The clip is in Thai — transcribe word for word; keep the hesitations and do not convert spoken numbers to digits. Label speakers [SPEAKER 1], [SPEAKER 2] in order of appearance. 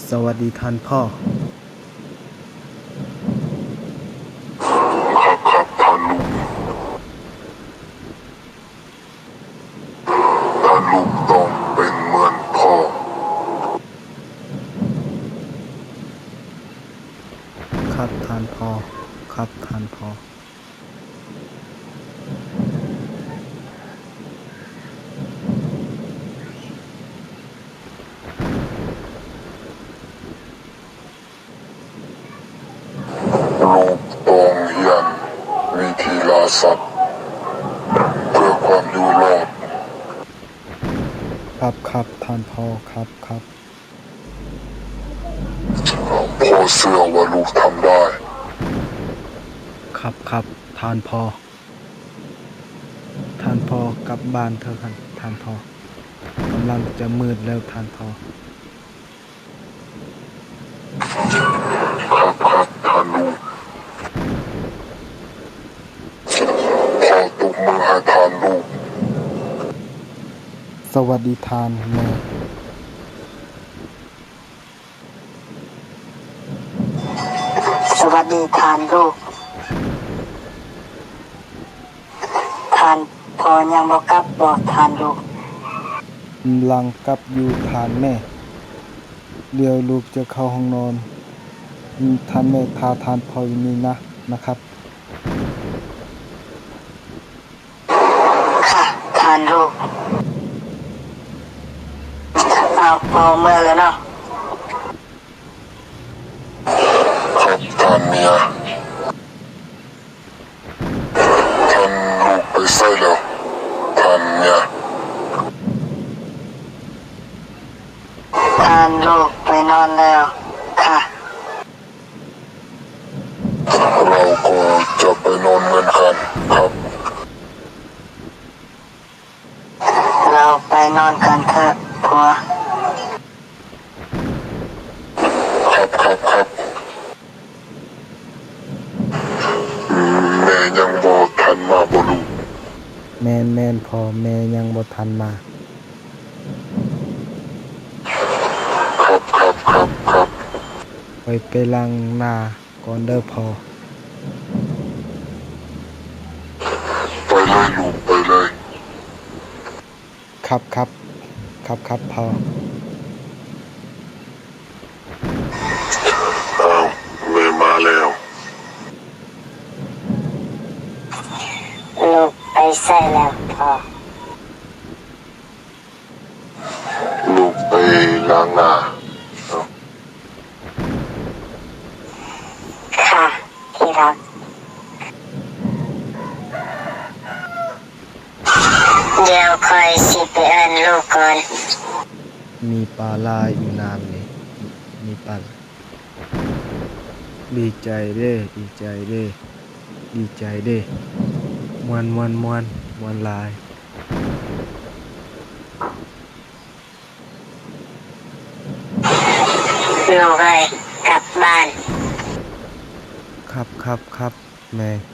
[SPEAKER 1] สวัสดีท่านพ่อ
[SPEAKER 2] ครับครับท่านลุงท่านลุงต้องเป็นเหมือนพ่อ
[SPEAKER 1] ครับท่านพ่อครับท่านพ่อ
[SPEAKER 2] ลูกต้องเรียนวิธีล่าสัตว์เพื่อความอยู่รอด
[SPEAKER 1] ครับครับท่านพ่อครับครับ
[SPEAKER 2] พ่อเชื่อว่าลูกทำได้
[SPEAKER 1] ครับครับท่านพ่อท่านพ่อกลับบ้านเถอะครับท่านพ่อกำลังจะมืดแล้วท่านพ่อ
[SPEAKER 2] ครับครับท่านลุงพ่อตบมือให้ท่านลูก
[SPEAKER 1] สวัสดีท่านแม่
[SPEAKER 3] สวัสดีท่านลูกท่านพอยังบอกกลับบอกท่านลูก
[SPEAKER 1] กำลังกลับอยู่ท่านแม่เดี๋ยวลูกจะเข้าห้องนอนท่านแม่พาท่านพ่ออยู่นี่นะนะครับ
[SPEAKER 3] ค่ะท่านลูกเอาพอเมื่อแล้วเนาะ
[SPEAKER 2] ครับท่านเมียท่านลูกไปใส่แล้วท่านเมีย
[SPEAKER 3] ท่านลูกไปนอนแล้วค่ะ
[SPEAKER 2] เราก็จะไปนอนกันกันครับ
[SPEAKER 3] เราไปนอนกันเถอะผัว
[SPEAKER 2] ครับครับครับแม่ยังบอกท่านมาบ่ลูก
[SPEAKER 1] แม่นแม่นพ่อแม่ยังบ่ทันมา
[SPEAKER 2] ครับครับครับครับ
[SPEAKER 1] ไปไปล้างหน้าก่อนเด้อพ่อ
[SPEAKER 2] ไปเลยลูกไปเลย
[SPEAKER 1] ครับครับครับครับพ่อ
[SPEAKER 2] อ้าวแม่มาแล้ว
[SPEAKER 3] ลูกไปใส่แล้วพ่อ
[SPEAKER 2] ลูกไปล้างหน้าเอา
[SPEAKER 3] ค่ะที่รักเดี๋ยวคอยสิไปเอิ้นลูกก่อน
[SPEAKER 1] มีปลาลายอยู่น้ำนี่มีปลาดีใจเด้ดีใจเด้ดีใจเด้มวนมวนมวนมวนลาย
[SPEAKER 3] ลูกเลยกลับบ้าน
[SPEAKER 1] ครับครับครับแม่